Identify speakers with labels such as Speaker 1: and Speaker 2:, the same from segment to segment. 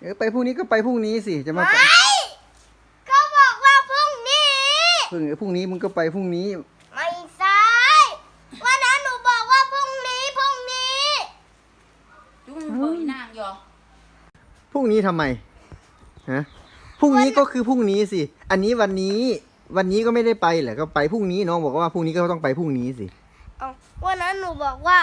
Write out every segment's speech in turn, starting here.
Speaker 1: ไปพรุ่งนี้ก็ไปพรุ่งนี้สิจะมา
Speaker 2: ไม่เขาบอกว่าพรุ่งนี้
Speaker 1: พรุ่งนี้มึงก็ไปพรุ่งนี้
Speaker 2: ไม่ใช่วันนั้นหนูบอกว่าพรุ่งนี้
Speaker 3: จุ้งเบยนางยอ
Speaker 1: พรุ่งนี้ทำไมฮะพรุ่งนี้ก็คือพรุ่งนี้สิอันนี้วันนี้ก็ไม่ได้ไปแหละก็ไปพรุ่งนี้น้องบอกว่าพรุ่งนี้ก็ต้องไปพรุ่งนี้สิ
Speaker 2: เอาวันนั้นหนูบอกว่า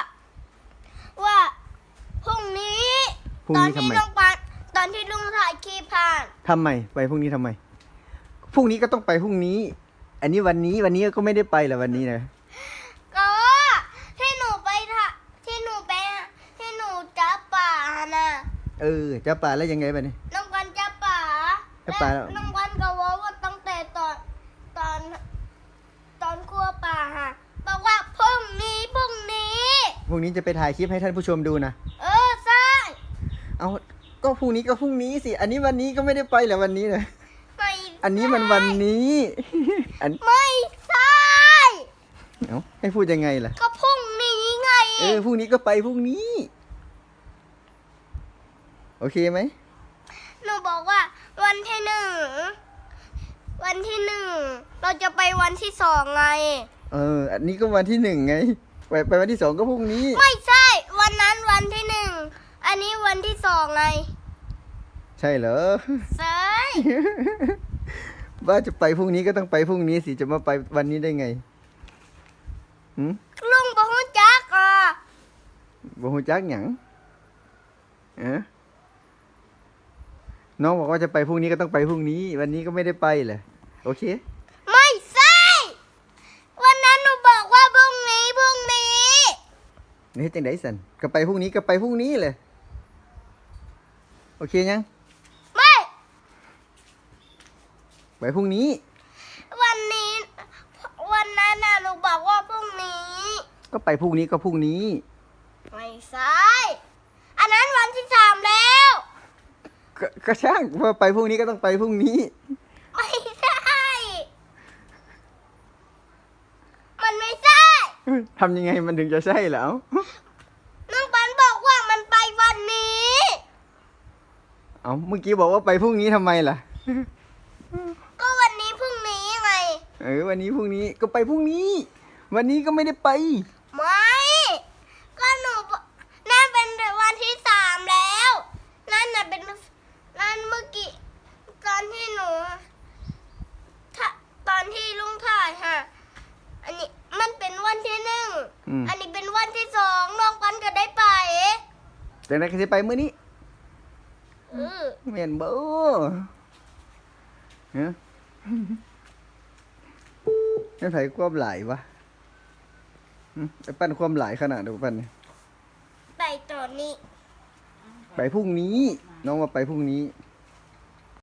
Speaker 2: พรุ่งนี้
Speaker 1: พรุ่ง
Speaker 2: ตอน
Speaker 1: นี้ทำ
Speaker 2: ที่
Speaker 1: ไม
Speaker 2: ลุงปานตอนที่ลุงถ่ายคลิปผ่าน
Speaker 1: ทำไมไปพรุ่งนี้ทำไมพรุ่งนี้ก็ต้องไปพรุ่งนี้ อันนี้วันนี้ก็ไม่ได้ไปแหละวันนี้นะ
Speaker 2: ก็ที่หนูไปที่หนูจับป่าน่ะ
Speaker 1: จะป่าแล้วยังไงไปเนี่ย
Speaker 2: น้องกันจับป่า
Speaker 1: จับป่าแล้ว
Speaker 2: น้องกันก็ว่าตั้งแต่ตอนครัวป่าฮะบอกว่าพรุ่งนี้
Speaker 1: พรุ่งนี้จะไปถ่ายคลิปให้ท่านผู้ชมดูนะ
Speaker 2: ใช่
Speaker 1: เอาก็พรุ่งนี้ก็พรุ่งนี้สิอันนี้วันนี้ก็ไม่ได้ไปแหละวันนี้นะ
Speaker 2: ไม่
Speaker 1: อันนี้มันวันนี้
Speaker 2: ไม่ใช่
Speaker 1: เอ้าให้พูดยังไงล่ะ
Speaker 2: ก็พรุ่งนี้ไง
Speaker 1: พรุ่งนี้ก็ไปพรุ่งนี้ โอเคไหม
Speaker 2: หนูบอกว่าวันที่หนึ่งเราจะไปวันที่สองไง
Speaker 1: อันนี้ก็วันที่หนึ่งไงไปวันที่สองก็พรุ่งนี้
Speaker 2: ไม่ใช่ วันนั้นวันที่หนึ่งอันนี้วันที่สองไง
Speaker 1: ใช่เหรอ
Speaker 2: ใช่
Speaker 1: ว่าจะไปพรุ่งนี้ก็ต้องไปพรุ่งนี้สิจะมาไปวันนี้ได้ไงหืม
Speaker 2: ลุงบอกว่าจักอ่ะ
Speaker 1: บ่ฮู้จักหยังน้องบอกว่าจะไปพรุ่งนี้ก็ต้องไปพรุ่งนี้ วันนี้ก็ไม่ได้ไปแหละโอเค
Speaker 2: ไม่ใช่วันนั้นหนูบอกว่าพรุ่งนี้
Speaker 1: นี่จังได๋สันก็ไปพรุ่งนี้ก็ไปพรุ่งนี้เลยโอเคยัง
Speaker 2: ไม่
Speaker 1: ไปพรุ่งนี้
Speaker 2: วันนั้นน่ะหนูบอกว่าพรุ่งนี้
Speaker 1: ก็ไปพรุ่งนี้ก็พรุ่งนี้
Speaker 2: ไม่ใช่อันนั้นวันที่สามแล้ว
Speaker 1: ก็ช่างว่าไปพรุ่งนี้ก็ต้องไปพรุ่งนี้
Speaker 2: ไม่ใช่มันไม่ใช่
Speaker 1: ทำยังไงมันถึงจะใช่แล้ว
Speaker 2: น้องปันบอกว่ามันไปวันนี้
Speaker 1: เอาเมื่อกี้บอกว่าไปพรุ่งนี้ทำไมล่ะ
Speaker 2: ก็วันนี้พรุ่งนี้ไง
Speaker 1: วันนี้พรุ่งนี้ก็ไปพรุ่งนี้ วันนี้ก็ไม่ได้ไป
Speaker 2: ไม่ก็หนูบอกนั่นเป็นวันที่สามแล้วนั่นน่ะเป็นนั่นเมื่อกี้ตอนที่หนูตอนที่ลุงถ่ายฮะอันนี้มันเป็นวันที่หนึ่ง อันนี้เป็นวันที่สองน้องปันก็ได้ไป
Speaker 1: แต่ไหนก็จะไปมื้อนี้
Speaker 2: เออ
Speaker 1: แม่นบ่ฮะนั่นไผความหลายวะไอ้ปั้นความหลายขนาดเดียวปั้นเนี่ย
Speaker 2: ไปตอนนี้
Speaker 1: ไปพรุ่งนี้ น้องว่าไปพรุ่งนี้